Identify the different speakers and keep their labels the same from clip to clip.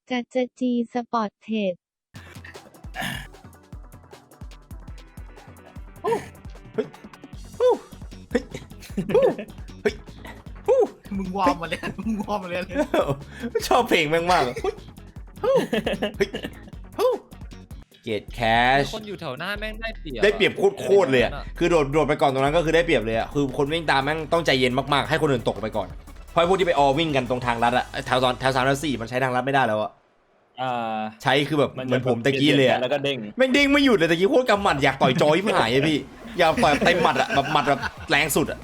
Speaker 1: จัจจีสปอร์ตเทรด
Speaker 2: เฮ้ยเฮ้ยเฮ้ย
Speaker 3: มึงวอร์มมาเลยมึงวอร์มมาเลย
Speaker 2: ชอบเพลงแม่งมากเกตแคช
Speaker 4: คนอยู่แถวหน้าแม่งได้เปรียบ
Speaker 2: ได้เปรียบโคตรเลยอ่ะคือโดดไปก่อนตรงนั้นก็คือได้เปรียบเลยอ่ะคือคนวิ่งตามแม่งต้องใจเย็นมากๆให้คนอื่นตกไปก่อนเพราะพวกที่ไปออวิ่งกันตรงทางลัดอ่ะแถว3 แถว 4มันใช้ทางลัดไม่ได้แล้วอ่ะใช้คือแบบเหมือนผมตะกี้เลยอ่ะ
Speaker 4: แล้วก็เด้ง
Speaker 2: แม่งเด้งไม่หยุดเลยตะกี้โคตรกำหมัดอยากต่อยจอยไม่หายอะพี่อยากต่อยเต็มหมัดอ่ะแบบหมัดแบบแรงสุดอ่ะ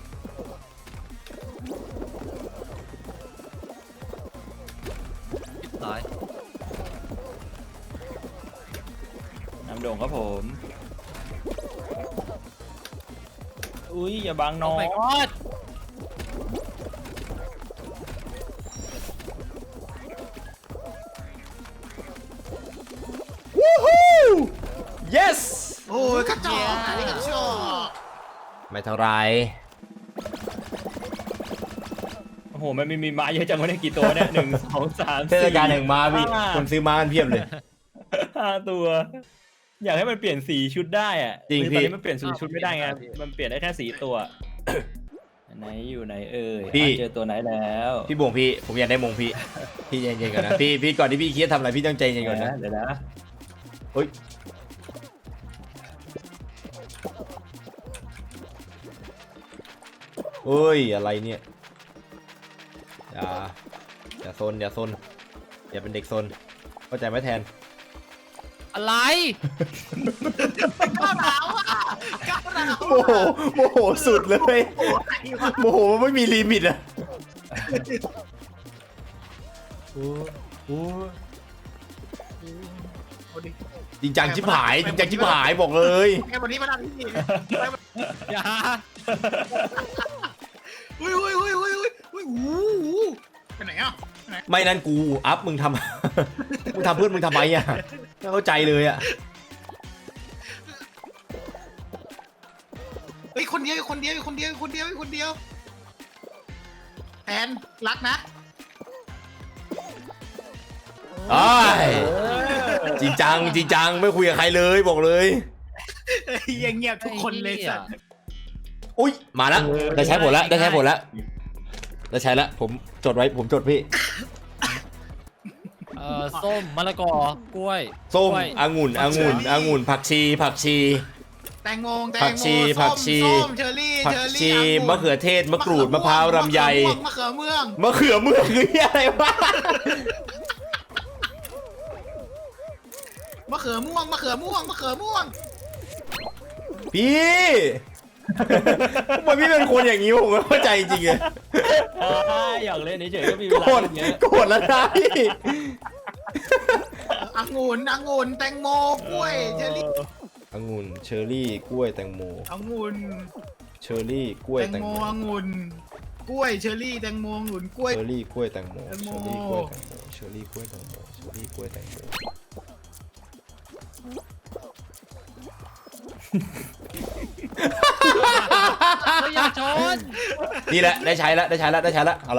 Speaker 4: ตาย
Speaker 5: น้ำโด่งครับผม อุ้ยอย่าบังน้
Speaker 4: โอ้
Speaker 5: อง
Speaker 4: my god
Speaker 2: วู้ฮู้ yes
Speaker 3: โอ้ยกระจอกอันนี้กระจอก
Speaker 2: ไม่เท่าไร
Speaker 5: โอ้โหมันมีม้าเยอะจังวะเนี่ยกี่ตัวเนี่ย1 2 3
Speaker 2: เทศกาลแห่งม้าพี่คนซื้อม้ากันเพียบเลย
Speaker 5: 5 ตัว อยากให้มันเปลี่ยนสีชุดได้อ่ะ
Speaker 2: จริง
Speaker 5: คือ
Speaker 2: พี่
Speaker 5: ตอนนี้มันเปลี่ยนสีชุดไม่ได้ไงมันเปลี่ยนได้แค่สีตัว ไหนอยู่ไหนเอ่ยเจอตัวไหนแล้ว
Speaker 2: พี่บวงพี่ผมอยากได้มงพี่พี่ใจเย็นๆก่อนนะพี่ก่อนที่พี่คิดทำอะไรพี่ต้องใจเย็นก่อนนะ
Speaker 5: เดี๋ยวนะ
Speaker 2: เฮ้ยเฮ้ยอะไรเนี่ยอย่าซนอย่าเป็นเด็กซนเข้าใจไหมแทน
Speaker 4: อะไร
Speaker 3: ก้าวร้าวอ่ะก้าวร้าว
Speaker 2: โมโหสุดเลยโมโหไม่มีลิมิตอะโอ้จริงจังชิบหายบอกเลย
Speaker 3: แกวันนี้มาดังที่
Speaker 4: อย่า
Speaker 3: อุ้ยไปไหนอ่ะ
Speaker 2: ไม่นั่นกูอัพมึงทำ มึงทำเพื่อนมึงทำไมอะไม่เข้าใจเลยอะ
Speaker 3: เฮ้ยคนเดียวแอนรักนะ
Speaker 2: อ้ายจริงจังไม่คุยกับใครเลยบอกเลย
Speaker 3: ยังเงียบทุกคนเลยสัตว์
Speaker 2: อุ้ยมาแล้วได้ใช้ผลแล้วผมจดไว้ผมจดพี่
Speaker 4: ส้มมะละกอกล้วย
Speaker 2: ส้ม
Speaker 4: กล้วย
Speaker 2: องุ่นผักชี
Speaker 3: แตงโม
Speaker 2: ผักชี
Speaker 3: ส้มเชอร์รี่
Speaker 2: ผักชีมะเขือเทศมะกรูดมะพร้าวลำไย
Speaker 3: มะเขือเมือง
Speaker 2: มะเขือเมืองคืออะไรวะ
Speaker 3: มะเขือม่วง
Speaker 2: พี่ทำไมพี่เป็นคนอย่างนี้ผมไม่เข้าใจจริงๆเลย
Speaker 5: อยากเล่นเฉยๆก็มีเว
Speaker 2: โกร
Speaker 5: ลา
Speaker 2: ธ
Speaker 5: เยอะ
Speaker 2: โกรธแล้วนะพี่
Speaker 3: องุ่นแตงโมกล้วยเชอร์รี่
Speaker 2: องุ่นเชอร์รี่กล้วยแตงโม
Speaker 3: องุ่น
Speaker 2: เชอร์รี่กล้วย
Speaker 3: แตง
Speaker 2: แตง
Speaker 3: โม
Speaker 2: โม
Speaker 3: องุ่นกล้วยเชอร์รี่แตงโมองุ่นกล้วย
Speaker 2: เชอร์รี่กล้วยแตงโม
Speaker 3: แตงโม
Speaker 2: เชอร์รี่กล้วยแตงโมเชอร์รี่กล้วยแตงโม
Speaker 4: อย่าชน
Speaker 2: นี่แหละได้ใช้แล้วเอาละ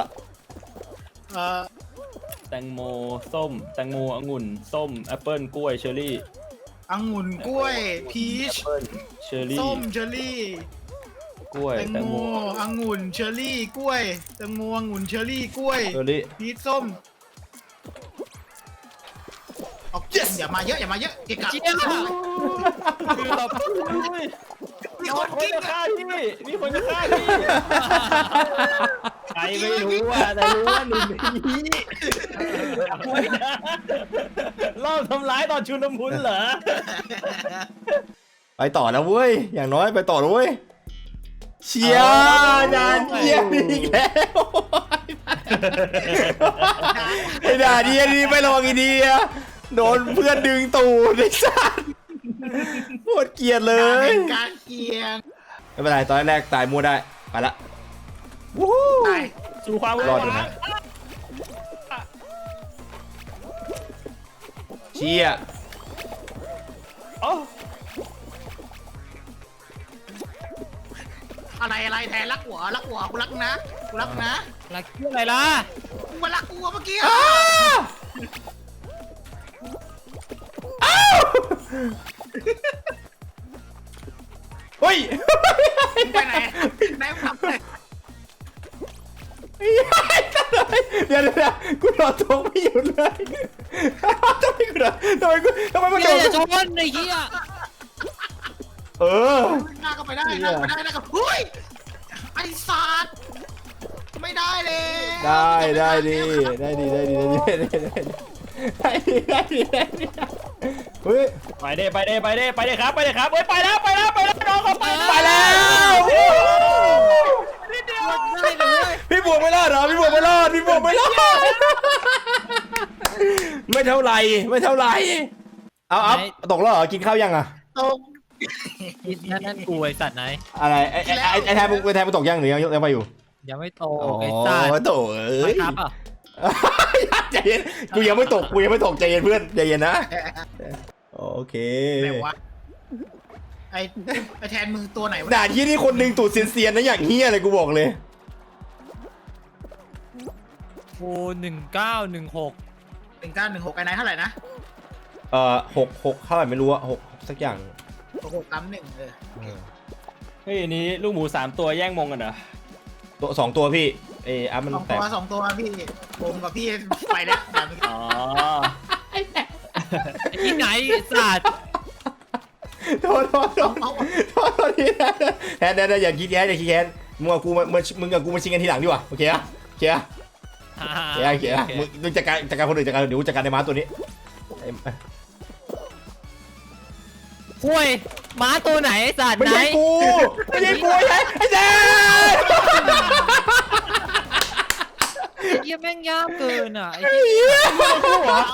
Speaker 5: แตงโมส้มแตงโมองุ่นส้มแอปเปิ้ลกล้วยเชอร์รี่
Speaker 3: องุ่นกล้วยพีช
Speaker 5: แอปเปิ้ลเชอร์รี่
Speaker 3: ส้มเชอร์รี่
Speaker 5: กล้วย
Speaker 3: แตง
Speaker 5: แตง
Speaker 3: โม
Speaker 5: โม
Speaker 3: องุ่นเชอร์รี่กล้วยแตงโมองุ่นเชอร์รี่กล้วย
Speaker 2: เชอร์รี่
Speaker 3: พีชส้มออกอย่ามาเยอะเกะกะ
Speaker 4: เจี๊ยบ
Speaker 3: มี
Speaker 5: มี
Speaker 3: ค
Speaker 5: คน น
Speaker 3: กิน
Speaker 5: จะฆ่าพี่มีคนจะฆ่าพี่ใครไม่รู้อ่ะแต่รู้ว่าหนึ่งในนี้รอบทำร้ายตอนชุลมุนเหรอ
Speaker 2: ไปต่อแล้วเว้ยอย่างน้อยไปต่อแล้วเว้ยเชียร์จานเยี่ยมอีกแล้วไอ้ด่าดีไม่ระวังอีดีอะโดนเพื่อนดึงตูดไอ้สัสโคตรเกลียดเลย
Speaker 3: เป็นการเกียง
Speaker 2: ไม่เป็นไรตอนแรกตายมั่วได้ไปละวู้ฮู้
Speaker 3: ตาย
Speaker 5: สู่ความ
Speaker 2: รอดอยู่นะ เชียร์
Speaker 5: อ๋อ
Speaker 3: อะไรแทนรักหัวกูรักนะ
Speaker 4: รักอะไรล่ะ
Speaker 3: กูมารักกูเมื่อกี้
Speaker 2: นะกูโดดตกไม่หยุดเลยทำไมกูโดดทำไมมัน
Speaker 4: เฮี
Speaker 2: โด
Speaker 4: ย
Speaker 2: ด
Speaker 4: อย่าชนไอ้เฮีย
Speaker 2: เออ
Speaker 3: หน้าก็ไปได้หน้าก็ไปได้หน้าก็เฮ้ยไอ้สัตว์ไม่ได้เลย
Speaker 2: ได้ดีเฮ้ย
Speaker 5: ไปเด้ครับเฮ้ยไปแล้วน้องเขาไป
Speaker 2: ไปแล้ว
Speaker 5: นิดเดียว
Speaker 4: ได้เลย
Speaker 2: พี่บวกไม่รอดเหรอพี่บวกไม่รอดไม่เท่าไหร่เอาตกแล้วเหรอกินข้าวยังอ่ะ
Speaker 3: ตก
Speaker 4: นั่นกูไอ้สัตว์ไหน
Speaker 2: อะไรไอ้แทนมึงตกยังหรือยังไปอยู่
Speaker 4: ยังไม่โตไอ้สัตว์
Speaker 2: โตเอ้ย
Speaker 4: ครับอ่ะ
Speaker 2: ใจเย็นกูยังไม่ตกใจเย็นเพื่อนใจเย็นนะโอเค
Speaker 3: ไหนวะไอ้แทนมือตัวไหนวะ
Speaker 2: ด่านที่นี่คนหนึ่งตูดเซียนๆนะอย่างเฮี้ยเลยกูบอกเลย
Speaker 4: โอ้1916
Speaker 3: 1916ไอ้นายเท่าไหร่นะ
Speaker 2: 6เท่าไหร่ไม่รู้อะ6สักอย่าง
Speaker 3: 6631
Speaker 5: เฮ้ยนี้ลูกหมู3ตัวแย่งมงกันเหรอ
Speaker 2: ตัว2ตัวพี่อัพมันแตก
Speaker 3: สองตัวพี่ผมกับพี่ไปแล้วแบบ
Speaker 5: อ๋อ
Speaker 4: ไอ้ที่ไหนไอ้สัตว์
Speaker 2: โทษทีแทนอย่าคิดแค้นมึงกับกูมาชิงกันทีหลังดีกว่าโอเคอะโอเคมึงจัดการคนอื่นเดี๋ยวจัดการในม้าตัวนี้
Speaker 4: ห่วยม้าตัวไหนไอ้สัตว์
Speaker 2: ไม่
Speaker 4: ไหน
Speaker 2: ใช่กูไอ้แจ๊ค
Speaker 4: เฮียแม่งยากเกินอ่ะไอ้
Speaker 5: ลูกคู่เหรอ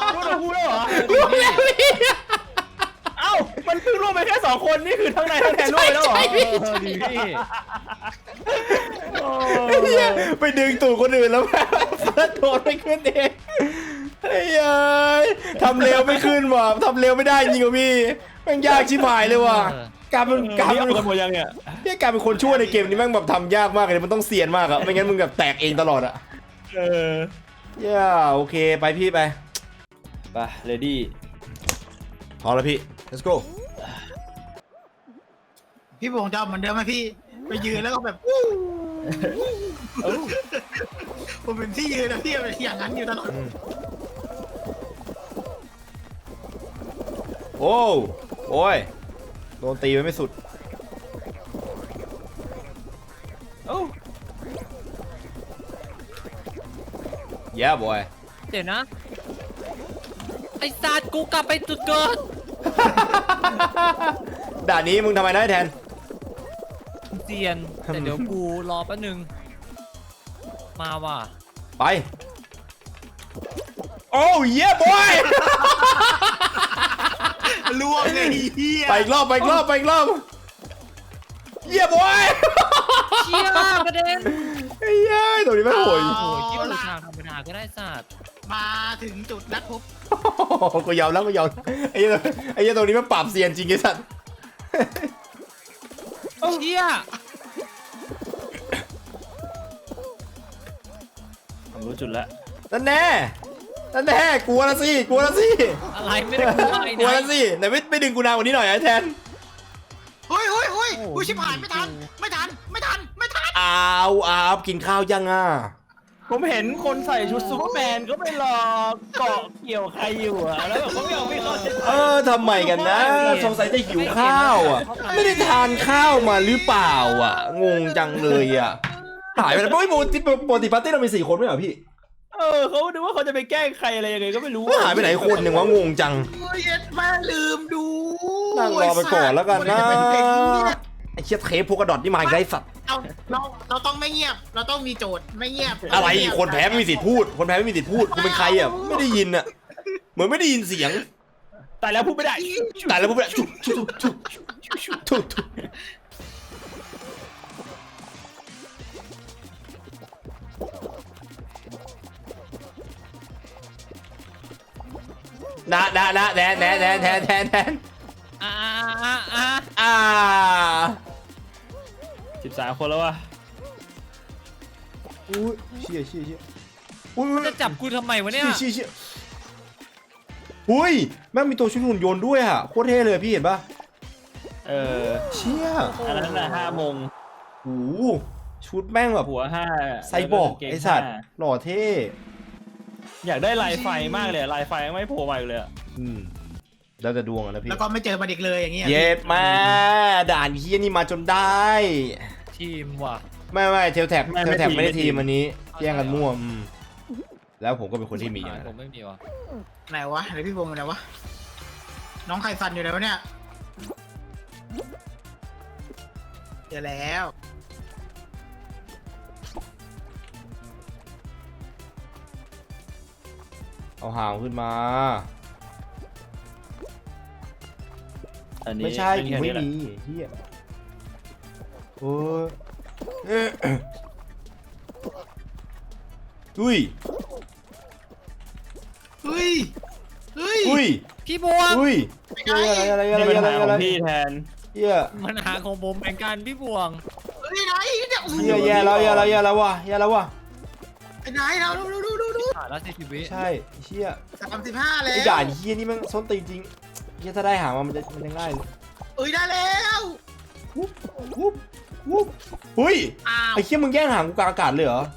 Speaker 5: เอ้ามันเพิ่งร่วมไปแค่2คนนี่คือทั้งนายทั้งแทนร่วมไปแล้วเหรอ
Speaker 4: ดีพี่
Speaker 2: ไปดึงตูดคนอื่นแล้วแม่เฟิร์สโดดไม่ขึ้นเองไอ้ยัยทำเร็วไม่ขึ้นว่ะทำเร็วไม่ได้จริงว่ะพี่แม่งยากชิบหายเลยว่ะการเป็น
Speaker 5: นี่เอากันหมดยังเนี่ย
Speaker 2: การเป็นคนชั่วในเกมนี้แม่งแบบทำยากมากเลยมันต้องเซียนมากอะไม่งั้นมึงแบบแตกเองตลอดอะโอเคไปพี่ไป
Speaker 5: เลดี้
Speaker 2: พร้อมแล้วพี่ let's go
Speaker 3: พี่บงจะเอาเหมือนเดิมไหมพี่ไปยืนแล้วก็แบบผมเป็นที่ยืนแล้วพี่เป็นอย่างนั้นอยู่ตลอด
Speaker 2: โอ้ยโดนตีไปไม่สุด yeah boy
Speaker 4: เดี๋ยวนะไอ้สัตว์กูกลับไปจุดเกิด
Speaker 2: ด่านนี้มึงทำไมได้แทน
Speaker 4: เซียนแต่เดี๋ยวกูรอแป๊บนึงมาว่ะ
Speaker 2: ไปโอ้ย yeah boy
Speaker 3: ล่วงเลยเฮีย
Speaker 2: ไปอีกรอบเยี่ยบอย
Speaker 4: เชี่ยกระเด็น
Speaker 2: ไอ้ยัยตัวนี้ไม่โหย
Speaker 4: โอ้ยคิดว่าทางธรรมดาก็ได้สัตว์
Speaker 3: มาถึงจุดนัดพบ
Speaker 2: กูยอมแล้วไอ้เหี้ยตัวนี้มันปราบเซียนจริงไอ้สัตว์
Speaker 4: เชี่ย
Speaker 5: ผมรู้จุดแล้ว
Speaker 2: นั่นแน่กลัวละสิ
Speaker 4: อะไรไม่ได้กูอะไร
Speaker 2: กลัว
Speaker 4: นะ
Speaker 2: ละสิไหนไม่ดึงกูนานกว่านี้หน่อยไอ้แทน
Speaker 3: เฮ้ยอุ้ยชิบหายไม่ทัน
Speaker 2: อ้าวกินข้าวยังอ่ะ
Speaker 5: ผมเห็นคนใส่ชุดซูเปอร์แมนก็ไปรอเกาะเกี่ยวใครอยู่อะแล้วแบบเขาไม่เอาไม่เข้าใจ
Speaker 2: ทำไมกันนะสงสัยจะหิวข้าวอ่ะไม่ได้ทานข้าวมาหรือเปล่าอ่ะงงจังเลยอ่ะหายไปแล้วปกติปาร์ตี้เรามี4 คนไม่เหรอพี่
Speaker 5: เขาดูว่าเขาจะไปแกล้งใครอะไรยังไงก็ไม่รู้
Speaker 2: หายไปไหนคนหนึ่งวะงงจัง
Speaker 3: เย็ดแม่ลืมดู
Speaker 2: นั่งรอไปก่อนแล้วกันนะไอ้เชี่ยเทปพวกกระดอดนี่มาอีกได้สัตว์
Speaker 3: เราต้องไม่เงียบเราต้องมีโจทย์ไม่เงียบ
Speaker 2: อะไรคนแพ้ไม่มีสิทธิ์พูดคนแพ้ไม่มีสิทธิ์พูดกูเป็นใครอ่ะไม่ได้ยินอ่ะเหมือนไม่ได้ยินเสียง
Speaker 5: แต่แล้วพูดไม่ได้
Speaker 2: แต่แล้วพวกแบบทุกนะแทน
Speaker 5: 13 คนแล้ววะ
Speaker 2: อุ้ยเชี่ยอุ้ย
Speaker 4: จะจับกูทำไมวะเนี่ย
Speaker 2: เชี่ยอุ้ยแม่งมีตัวชุดหุ่นยนต์ด้วยอ่ะโคตรเท่เลยพี่เห็นปะเชี่ย
Speaker 5: อันนั้นน่ะ5 โมง
Speaker 2: โอ้ชุดแม่งแบบ
Speaker 5: หัว5
Speaker 2: ไซบอร์กไอสัตว์หล่อเท่
Speaker 5: อยากได้ลายไฟมากเลยลายไฟไม่โผล่มาอีกเลย
Speaker 2: แล้วจะดวงอะนะพี่
Speaker 3: แล้วก็ไม่เจอมันอีกเลยอย่างเงี้ย
Speaker 2: เย็ดมาด่านเฮียนี่มาจนได้
Speaker 4: ทีมว่ะ
Speaker 2: ไม่เทลแท็บไม่ได้ทีมอันนี้แย่งกันมั่วแล้วผมก็เป็นคนที่มีอย่างนั้น
Speaker 4: ผมไม่มีว่ะ
Speaker 3: ไหนวะไหนพี่พงษ์อยู่ไหนวะน้องไข่ฟันอยู่ไหนวะเนี่ยเจอแล้ว
Speaker 2: เอาหางขึ้นมา
Speaker 5: อันนี้
Speaker 2: ไม่ใช่กู
Speaker 5: แค่
Speaker 2: ไม่
Speaker 5: นี้แหละ
Speaker 2: มีเฮียโอ้ยอุ้ย
Speaker 3: เฮ้ยเฮ้ย
Speaker 2: อุ้ย
Speaker 4: พี่บวง
Speaker 2: อุ้ย
Speaker 3: ไปไหน
Speaker 2: อะไร
Speaker 5: นี่ปัญหาของพี่แทน
Speaker 2: เฮีย
Speaker 4: มันหาของผมเหมือนกันพี่บวง
Speaker 3: เฮ้ยไหนเนี่ยโอ้โห
Speaker 2: เฮียแย่แล้วว่ะ
Speaker 3: ไปไหนเราดู
Speaker 4: ผ่านแล้ว40 วิ
Speaker 2: ใช่เฮีย
Speaker 3: 35แล้ว
Speaker 2: ไอ้ด่านเฮียนี่มันส้นตีนจริงเฮียถ้าได้หางมันจะง่ายเลย
Speaker 3: เอ้ยได้แล้ว
Speaker 2: วุ๊บอุ้ย
Speaker 3: อ้าว
Speaker 2: ไอ้เฮียมึงแย่งหางกูกลางอากาศเลยเหรอ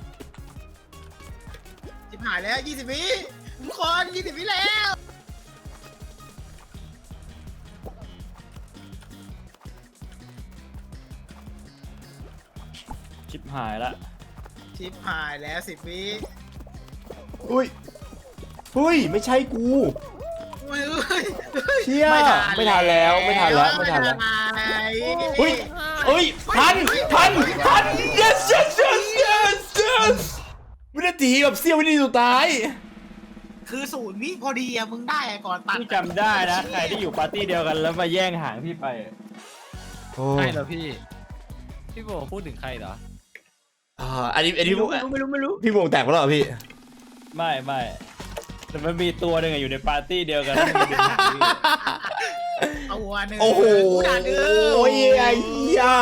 Speaker 3: จิบหายแล้ว20วิทุกคน20วิแล้ว
Speaker 5: ชิบหายละ
Speaker 3: จิบหายแล้ว10วิ
Speaker 2: อุ้ยไม่ใช่กู
Speaker 3: เฮ้ย
Speaker 2: เชี่ยไม่ทันแล้ว อุ้ยเอ้ยทัน yesวินาทีแบบเสี้ยววินาทีสุดท้าย
Speaker 3: คือ0 วิพอดีอะมึงได้อะก่อนตัด
Speaker 5: พี่จำได้นะใครที่อยู่ปาร์ตี้เดียวกันแล้วมาแย่งหางพี่ไป
Speaker 4: ใช่เหรอพี่ พี่บวงพูดถึงใครเหรอ
Speaker 2: อันนี้พี่
Speaker 5: ไม่รู้
Speaker 2: พี่วงแตกไปแล้วเหรอพี่
Speaker 5: ไม่แต่มันมีตัวหนึ่งอะอยู่ในปาร์ตี้เดียวกันแล้วมันเป็นหางพี่
Speaker 3: เอาหัวหนึ่ง
Speaker 2: โอ้โห
Speaker 3: กูด่าเด้
Speaker 2: โอ้ยไอ้เหี้ย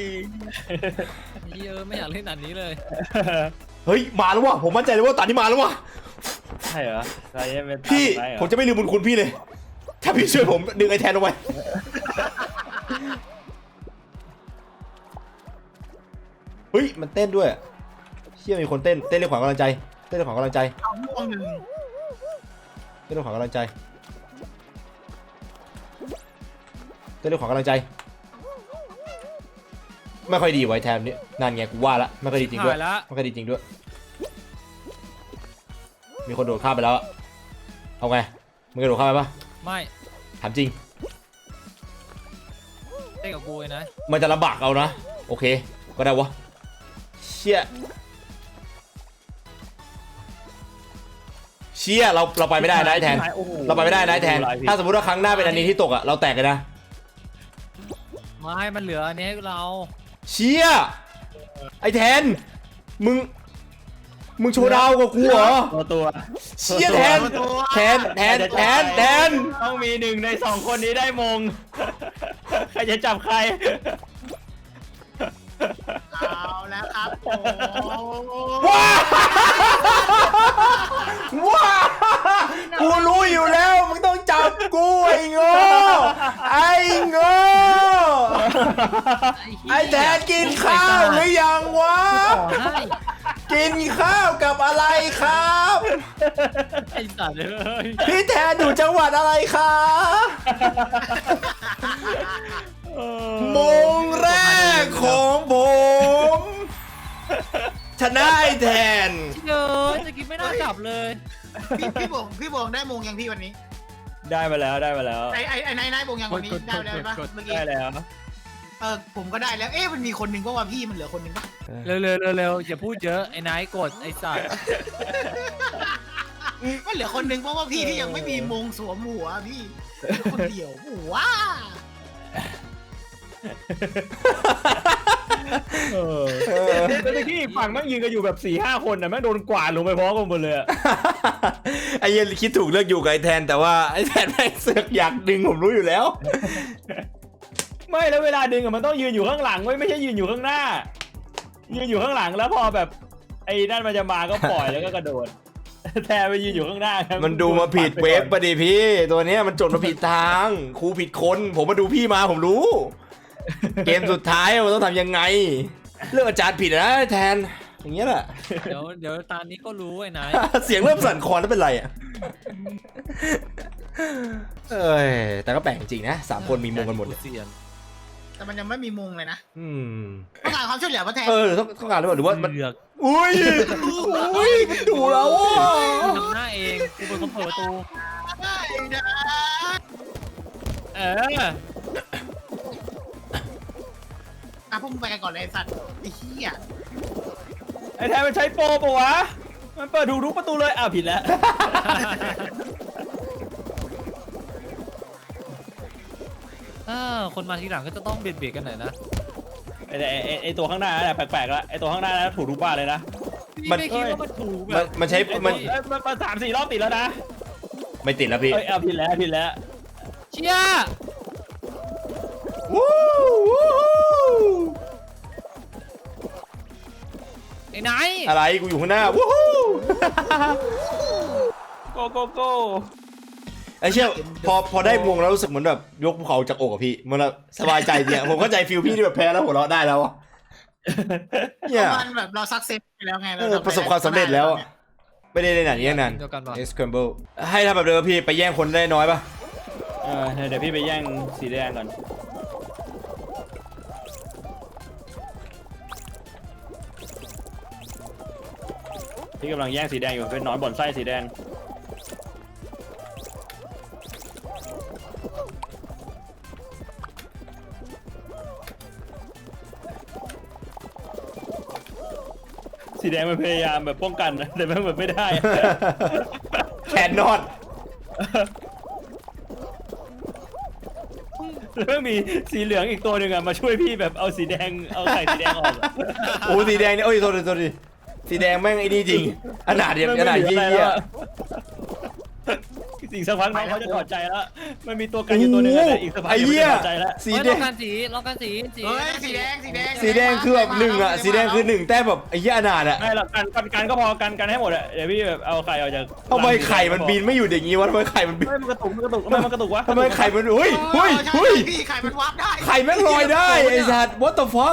Speaker 4: ไม่อยากเล่นอันนี้เลย
Speaker 2: เฮ้ยมาแล้วว่ะผมมั่นใจเลยว่าตอนนี้มาแล้วว่ะ
Speaker 5: ใช่เหรอใครจะเป็นตาม
Speaker 2: พี่
Speaker 5: ไปเหรอ
Speaker 2: ผมจะไม่ลืมบุญคุณพี่เลย ถ้าพี่ช่วยผมดึงไอ้แทนเอาไว้เฮ้ยมันเต้นด้วยเชี่ยมีคนเต้นเรียกขวัญกำลังใจเรียกขวัญกำลังใจ
Speaker 3: เอาม่วงหนึ่ง
Speaker 2: เรียกขวัญกำลังใจเรียกขวัญกำลังใจไม่ค่อยดีไว้แทนนี่นั่นไงกูว่าละไม่ค่อยดีจริงด้วย
Speaker 4: ชิบหายละ
Speaker 2: ไม่ค่อยดีจริงด้วยมีคนโดดข้ามไปแล้วอะเอาไงมึงกระโดดข้ามไปปะ
Speaker 4: ไม่
Speaker 2: ถามจริง
Speaker 4: เต้นกับกูเลยนะ
Speaker 2: มันจะลำบากเอานะโอเคก็ได้วะเชี่ยเราไปไม่ได้นะไอ้แทน
Speaker 5: โอ้โห
Speaker 2: เราไปไม่ได้นะไอ้แทน ถ้าสมมติว่าครั้งหน้าเป็นอันนี้ที่ตกอะเราแตกกันนะ
Speaker 4: ไม่มันเหลืออันนี้ให้เรา
Speaker 2: เชี่ยไอ้แทนมึงโชว์ดาวกับกูเหรอ
Speaker 5: ตัว
Speaker 2: เชี่ยแทน
Speaker 5: ต้องมีหนึ่งในสองคนนี้ได้มง ใครจะจับใคร
Speaker 3: เอาแล้วครับโอ้
Speaker 2: ว้ากูรู้อยู่แล้วมึงต้องจับกูไอ้โง่ไอ้แทนกินข้าวหรือยังวะ
Speaker 4: ขอให้
Speaker 2: กินข้าวกับอะไรครับ
Speaker 4: ไอ้สัตว์เลย
Speaker 2: พี่แทนอยู่จังหวัดอะไรคะมงแรกของผมชนะไอ้แทน
Speaker 4: เยอะจะกินไม่น่าจับเลย
Speaker 3: พี่บงได้มงยังพี่วันนี้
Speaker 5: ได้มาแล้ว
Speaker 3: ไอ้นายบงยังวันนี้ได้แล้วปะเมื่อกี้
Speaker 5: ได้แล้ว
Speaker 3: ผมก็ได้แล้วมันมีคนหนึ่งก็ว่าพี่มันเหลือคนหนึ่งปะ
Speaker 4: เร็วอย่าพูดเยอะไอ้นายกดไอ้สัตว์
Speaker 3: มันเหลือคนหนึ่งเพราะว่าพี่ที่ยังไม่มีมงสวมหัวพี่คนเดียวหัว
Speaker 5: แต่ที่อีกฝั่งแม่งยืนกันอยู่แบบ 4-5 คนนะแม่งโดนกวาดลงไปพร้อมกันหมดเลยอะ
Speaker 2: ไอ้เหี้ยคิดถูกเลือกอยู่กับไอ้แทนแต่ว่าไอ้แทนแม่งเสือกอยากดึงผมรู้อยู่แล้ว
Speaker 5: ไม่แล้วเวลาดึงอะมันต้องยืนอยู่ข้างหลังไม่ใช่ยืนอยู่ข้างหน้า ยืนอยู่ข้างหลังแล้วพอแบบไอ้นั่นมันจะมาก็ปล่อยแล้วก็กระโดด แทนไปยืนอยู่ข้างหน้าครับ
Speaker 2: มันดูมาผิดเว็บปะดิพี่ ตัวเนี้ยมันจดมาผิดทางครูผิดคนผมมาดูพี่มาผมรู้ เกมสุดท้ายมันต้องทำยังไงเลือกอาจารย์ผิดนะแทนอย่างเงี้ยแหละ
Speaker 4: เดี๋ยวตอนนี้ก็รู้ไอ้นาย
Speaker 2: เสียงเริ่มสั่นคลอนแล้วเป็นไรอ่ะเอ้ยแต่ก็แปลกจริงๆนะ3 คนมีมงกันหมดเลย
Speaker 4: เซียน
Speaker 3: แต่มันยังไม่มีมุงเลยนะ
Speaker 2: อืม
Speaker 3: ต้องการความช่วยเหลือมาแทน
Speaker 2: ต้องการหรือเปล่าหรือว่ามัน
Speaker 4: เลือก
Speaker 2: อุ้ยมันดูแล้วอ่ะ
Speaker 4: ทำหน้าเองกูเป็นคนเปิดประตู
Speaker 3: ได้นะ
Speaker 4: เออ
Speaker 3: อ่ะพวกมึงไปกันก่อนเลยไอ้สัตว์ไอ้เหี้ย
Speaker 5: ไอ้แทนมันใช้โปรปะวะมันเปิดถูกทุกประตูเลยอ้าวผิดแล้ว
Speaker 4: คนมาทีหลังก็จะต้องเบียดกันหน่อยนะ
Speaker 5: ไอ้ตัวข้างหน้าเนี่ยแปลกๆแล้วไอ้ตัวข้างหน้านะถูกทุกบ้านเลยนะ
Speaker 4: พี่ไม่คิดว่ามันถูกแบบ
Speaker 2: มันใช้
Speaker 5: มัน
Speaker 2: มัน
Speaker 5: มา3-4 รอบติดแล้วนะ
Speaker 2: ไม่ติดแล้วพี่
Speaker 5: เอ้ยเอาผิดแล้วผิดแล้ว
Speaker 4: เชี่ย
Speaker 2: วู้วู้
Speaker 4: ไอ้นาย
Speaker 2: อะไรกูอยู่ข้างหน้าวู้ฮู้
Speaker 5: โกโกโก้
Speaker 2: ไอ้เชี่ยพอได้มงแล้วรู้สึกเหมือนแบบยกภูเขาจากอกอะพี่มันแบบสบายใจเนี่ยผมเข้าใจฟิลพี่ที่แบบแพ้แล้วหัวเราะได้แล้วอะเนี่ย
Speaker 3: มันแบบเราซักเซสไปแล้วไง
Speaker 2: ประสบความสำเร็จแล้วอะไม่ได้ในหนังนี้นั้น
Speaker 4: เดียวกันป่ะ
Speaker 2: Scramble ให้ทำแบบเดิมพี่ไปแย่งคนได้น้อยปะ
Speaker 5: เดี๋ยวพี่ไปแย่งสีแดงก่อนพี่กำลังแย่งสีแดงอยู่เป็นหนอนบ่อนไส้สีแดงสีแดงมันพยายามแบบป้องกันนะแต่มันแบบไม่ได้
Speaker 2: แคนนอด
Speaker 5: แล้วมีสีเหลืองอีกตัวหนึ่งอะมาช่วยพี่แบบเอาสีแดงเอาไข่สีแดงออกอะ
Speaker 2: โอ้สีแดงเนี่ยโอ้ยโทษดิสีแดงแม่งไอ้นี่จริงขนาดเดียวขนาด
Speaker 5: ไม่
Speaker 2: ยี่
Speaker 5: เหลืออะไร
Speaker 2: เยี่ย
Speaker 5: แล้วอะสิ่งสักพักน้องเขาจะถอดใจแล้วมันมีตัวกันอยู่ตัวหนึงอะแต่อีกสักพัก
Speaker 2: ไอ้
Speaker 5: เดี๋ยวมัน
Speaker 2: เหี้ย
Speaker 5: จะถอดใจแล้ว
Speaker 2: สี
Speaker 4: เฮ้ย
Speaker 2: แด
Speaker 4: ลอง งการสี
Speaker 3: เฮ้ยสีแดง
Speaker 2: สีแดงคือแบบ1อะสีแดงคือ1แต้มแบบไอ้เหี้ยอนาถอะ
Speaker 5: ไม่หรอกกันก็พอกันให้หมดอะเดี๋ยวพี่แบบเอาไข่ออกจาก
Speaker 2: ทำไมไข่มันบินไม่อยู่อย่างงี้วะทำไมไข่มันบิน
Speaker 5: ไม่มันกระตุกทำไมมันกระตุกวะ
Speaker 2: ทำไมไข่มันเฮ้ย
Speaker 3: เฮ้
Speaker 2: เฮ้
Speaker 3: ย
Speaker 2: ย
Speaker 3: พี่ไข่มันวาร์ปได้
Speaker 2: ไข่แม่งลอยได้ไอ้สัตว์ what the fuck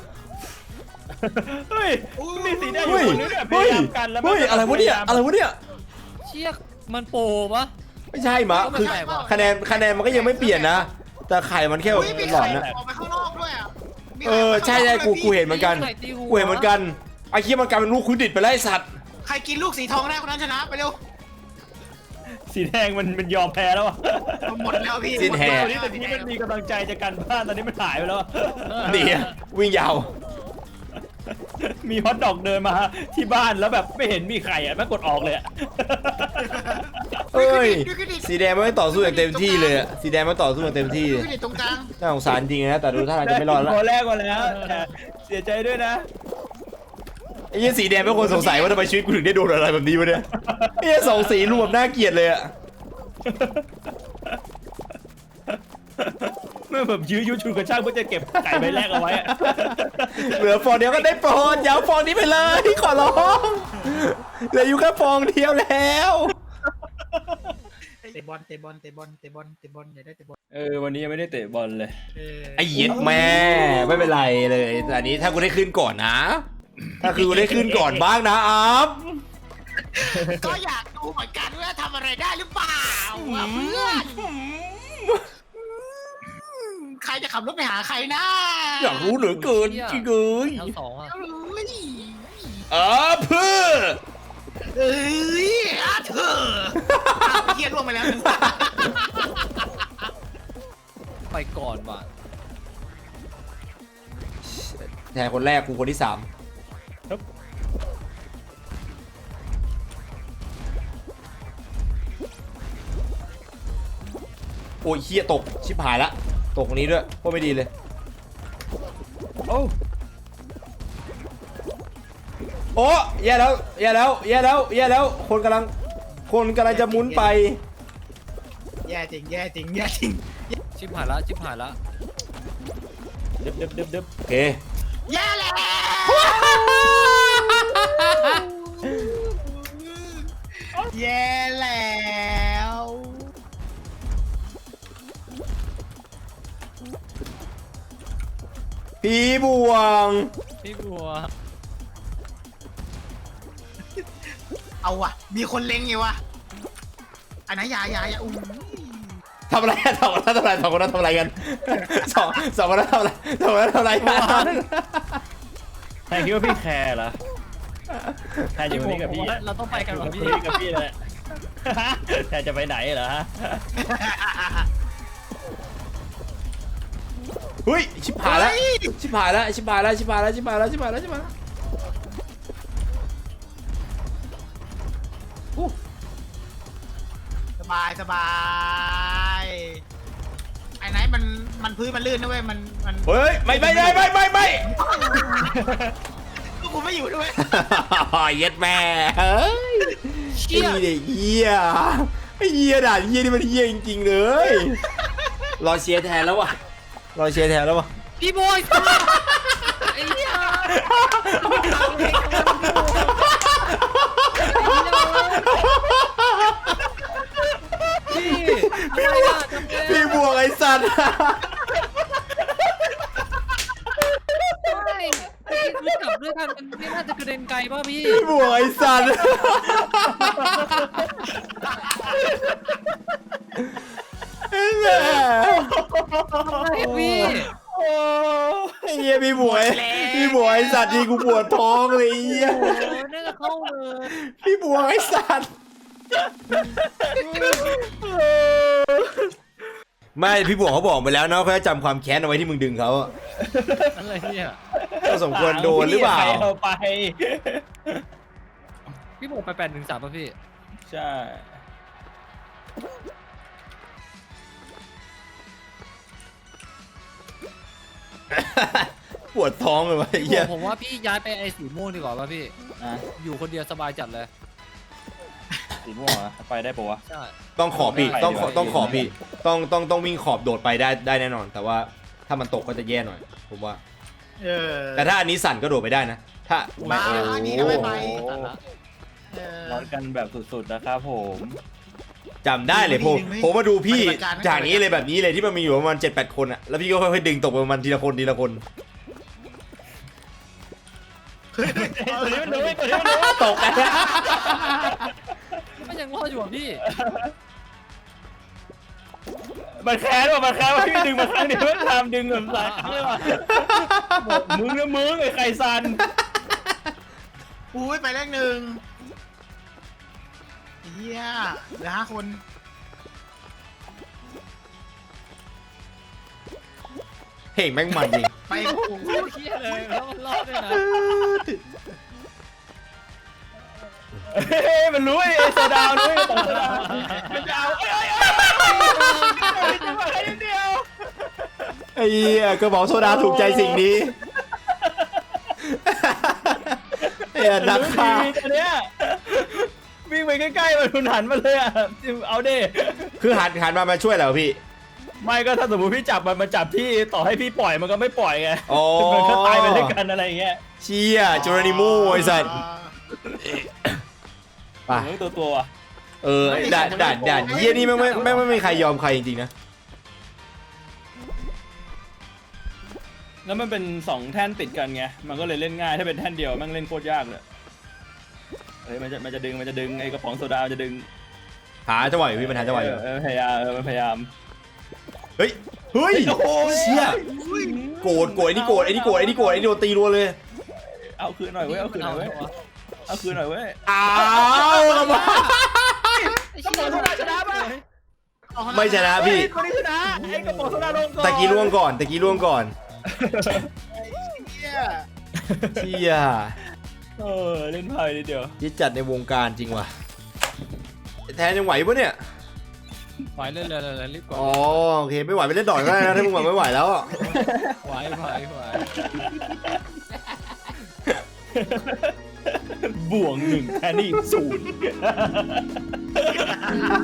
Speaker 5: เฮ้ยมีสีแดงอ
Speaker 2: เฮ้
Speaker 5: ยู่
Speaker 2: ย
Speaker 5: คนนึงเนี่ยพ
Speaker 2: เฮ้
Speaker 5: ยาย ยามกันแล้ว
Speaker 2: เฮ้ยอะไรวะเนี่ยอะไรวะเนี่ย
Speaker 4: เชี่ยมันโปรปะ
Speaker 2: ไม่ใช่มะคือคะแนนมันก็ยังไม่เปลี่ยนนะ แต่ไข่มันแค่แบบ
Speaker 3: เฮ้ยมี
Speaker 2: หลอ
Speaker 3: ไข่
Speaker 2: นนะ
Speaker 3: ออกไปข้างนอกด้วยอ่ะมี
Speaker 2: เออใช่กูเห็นเหมือนกันกูเห็นเหมือนกันไอ้เหี้ยมันกลายเป็นลูกคุยดิดไปแล้วไอ้สัตว์
Speaker 3: ใครกินลูกสีทองได้คนนั้นชนะไปเร็ว
Speaker 5: สีแดงมันยอมแพ้แล้วอะ
Speaker 3: หมดแล้วพี่
Speaker 2: สิ้นแห่
Speaker 5: ตอนนี้แต่พี่มันมีกำลังใจจะกันบ้านตอนนี้มันหายไปแล้วอะ
Speaker 2: นี่อะวิ่งยาว
Speaker 5: มีฮอตดอกเดินมาที่บ้านแล้วแบบไม่เห็นมีไข่อะแม่งกดออกเลยอะ
Speaker 2: เอ้ยสีแดงมันไม่ต่อสู้อย่างเต็มที่เลยอะสีแดงมันต่อสู้อย่างเต็มที่เลย
Speaker 3: พี่เด็ดตรงกลาง
Speaker 2: น่าสงสารจริงนะแต่ดูท่าทางจะไม่รอดแล้ว
Speaker 5: พอแรกก่อนแล้วแต่เสียใจด้วยนะ
Speaker 2: ไอ้เหี้ยสีแดงเป็นคนสงสัยว่าทำไมชีวิตกูถึงได้โดนอะไรแบบนี้วะเนี่ยไอ้เหี้ยสองสีรวมน่าเกลียดเลยอะ
Speaker 5: เมื่อแบบยื้อยุดฉุดกระชากเพื่อจะเก็บไก่ใบแรกเอาไว้อะ
Speaker 2: เหลือฟองเดียวก็ได้โปรดอย่าเอาฟองนี้ไปเลยขอร้องเหลืออยู่แค่ฟองเดียวแล้ว
Speaker 3: เตะบอลอย่าได้เตะบอล
Speaker 5: วันนี้ยังไม่ได้เตะบอลเลย
Speaker 2: ไอ้เหี้ย็ดแม่ไม่เป็นไรเลยแต่อันนี้ถ้ากูได้ขึ้นก่อนนะ ถ้าคือกูได้ขึ้นก่อนบ้างนะอัพ
Speaker 3: ก็อยากดูเหมือนกันว่าทำอะไรได้หรือเปล่าอะเพื่อนใครจะขับรถไปหาใครนะ
Speaker 2: อยากรู้เหลือเกินจริงเลย
Speaker 4: ทั้งสองอ่ะ
Speaker 3: เอ้ย
Speaker 2: เพื่อ
Speaker 3: เอ้ยอาเธอเฮียล่วงไปแล้ว
Speaker 4: ไปก่อนว่ะ
Speaker 2: แทนคนแรกกูคนที่3โอ้ยเฮียตกชิบหายละตกตรงนี้ด้วยโคตรไม่ดีเลย
Speaker 5: โอ้
Speaker 2: โอ้แย่แล้วแย่แล้วแย่แล้วแย่แล้วคนกำลังจะหมุนไป
Speaker 3: แย่จริง
Speaker 4: ชิบหายละ
Speaker 5: เด็บ
Speaker 2: โอเค
Speaker 3: แย่แล้วแย่แล้ว
Speaker 2: พี่บวง
Speaker 4: พี่บัว
Speaker 3: เอาว่ะมีคนเล็งอยู่ว่ะอันนั้นอย่าอู้
Speaker 2: ทำอะไรกันสองคนนั้นทำอะไรกันสองคนนั้นทำอะไรกัน
Speaker 5: แทนคิดว่าพี่แคร์เหรอแทนอยู่นี่กับพี่
Speaker 4: เราต้องไปกันวะพี่
Speaker 5: นี่กับพี่เลยแทนจะไปไหนเหรอฮะ
Speaker 2: เฮ้ยชิบหายแล้วชิบหายแล้ว
Speaker 3: สบายไอ้ไหนมันพื้นมันลื่นนะเว้ยมัน
Speaker 2: เฮ้ยไม่
Speaker 3: ก็กูไม่อยู่ด้วย
Speaker 2: เย็ดแม่เฮ้ยไอ้เด็กเหี้ยไอ้เหี้ยด่าเหี้ยนี่มันเหี้ยจริงๆเลยรอเชียร์แทนแล้ววะ
Speaker 4: พี่บอยไอ้เหี้ยพี่อะไรอะทำไง
Speaker 2: พี่บวกไอ้สัตว์
Speaker 4: ไม่กลับด้วยกันมันไม่น่าจะกระเด็นไกลป่ะพี่
Speaker 2: พี่บวกไอ้สัตว์ไอ้แม่
Speaker 4: ไอ้พี่
Speaker 2: ไอ้เหี้ยพี่บวกไอ้สัตว์นี่กูปวดท้องเลยไอ้เหี้ย
Speaker 4: โอ้น่าจะเข้าเลย
Speaker 2: พี่บวกไอ้สัตว์ไม่พี่บวกเขาบอกไปแล้วนะเขาจะจำความแค้นเอาไว้ที่มึงดึงเขาอะ
Speaker 4: อะไรเนี่ย
Speaker 2: ก็สมควรโดนหรือเปล่า
Speaker 5: ใคเอาไป
Speaker 4: พี่บอกไป813ป่ะพี่
Speaker 5: ใช่
Speaker 2: ปวดท้องเลยวะไอ้เหี้ย
Speaker 4: ผมว่าพี่ย้ายไปไอ้สีม่วงดีกว่าป่ะพี่
Speaker 5: นะ
Speaker 4: อยู่คนเดียวสบายจัดเลย
Speaker 5: สีม่วงเหรอไปได้ปะวะ
Speaker 4: ใช่
Speaker 2: ต้องขอบพี่
Speaker 5: ไม่
Speaker 2: ต้อง
Speaker 5: ไม่
Speaker 2: ต้องขอบพี่ต้องวิ่งขอบโดดไปได้แน่นอน แต่ว่าถ้ามันตกก็จะแย่หน่อยผมว่า แต่ถ้าอันนี้สั่นก็โดดไปได้นะ ถ้าไม่
Speaker 3: มา
Speaker 2: โอ้
Speaker 3: อันนี้
Speaker 2: โห
Speaker 3: ก็ไม่ไป
Speaker 4: ตัดละ
Speaker 5: ร้อนกันแบบสุดๆนะครับผม
Speaker 2: จำได้เลยผมมาดูพี่จากนี้เลยแบบนี้เลยที่มันมีอยู่ประมาณ7-8 คนอะแล้วพี่ก็ค่อยๆดึงตกไปประมาณทีละคน
Speaker 5: ตัวนี้มันรู้ตัวนี้มันรู้
Speaker 2: ตกกัน
Speaker 4: มันยังรอดอยู่อ่ะพี่
Speaker 5: มันแค้นว่ะว่าพี่ดึงมาครั้งเดียวมันทำดึงแบบหลายครั้งเลยว่ะมึงนะมึงไอ้ไข่ซัน
Speaker 3: อุ้ยไปเลขหนึ่งเฮียเหลือ5 คน
Speaker 2: เพลงแม่งมันจริง
Speaker 3: ไป
Speaker 4: โอ้โหเครียดเลยแล้วมันรอดด้วยนะ
Speaker 5: เฮ้ยมันรู้ไอ้โซดารู้ไอ้ต่อโซดามันจะเอาจะมาให้เดียว
Speaker 2: ไอ้เหี้ยกระบอกโซดาถูกใจสิ่งนี้ไอ้นักฆ่า
Speaker 5: ตัวเนี้ยวิ่งไปใกล้ๆมันหันมาเลยอ่ะเอาดิ
Speaker 2: คือหันมาช่วยเหรอพี่
Speaker 5: ไม่ก็ถ้าสมมติพี่จับมันจับพี่ต่อให้พี่ปล่อยมันก็ไม่ปล่อยไง
Speaker 2: อ๋อ
Speaker 5: มันก็ตายไปด้วยกันอะไรอย่างเงี้ย
Speaker 2: เชี่ยจูรานิโมไอ้สัตว์ไป
Speaker 5: ตัว
Speaker 2: ด่านเยี่ยนี่ไม่มีใครยอมใครจริงๆนะ
Speaker 5: แล้วมันเป็น2แท่นติดกันไงมันก็เลยเล่นง่ายถ้าเป็นแท่นเดียวมันเล่นโคตรยากเลยเฮ้ยมันจะดึงไอ้กระป๋องโซดาจะดึง
Speaker 2: หาจังหวะอยู่พี่มันหาจังหวะอยู่
Speaker 5: พยายามมันพยายาม
Speaker 2: เฮ้ยเชี่ยโกรธไอ้นี่โกรธไอ้นี่โดนตีรัวเลย
Speaker 5: เอาคืนหน่อยเว้ยเอาคืนหน่อยเว้ย
Speaker 2: อ้าวกระบอก
Speaker 4: ไอ้เชี่ยชนะป่ะ
Speaker 2: ไม่ชนะพี่
Speaker 5: คนนี้ชนะไอ้กระป๋องโซดาลงก่อน
Speaker 2: ตะกี้ล่วงก่อน
Speaker 3: เฮีย
Speaker 2: เชี่ย
Speaker 5: เล่นไพ่นิดเดียว
Speaker 2: ยิ่จัดในวงการจริงว่ะแทนยังไหวปะเนี่ย
Speaker 4: ไหวเลยรีบก่อน
Speaker 2: อ๋อโอเคไม่ไหวไปเล่นดอดก็ได้นะถ้ามึงไม่ไหวแล้วอ่ะ
Speaker 4: ไหว
Speaker 5: บวก1แค่นี้0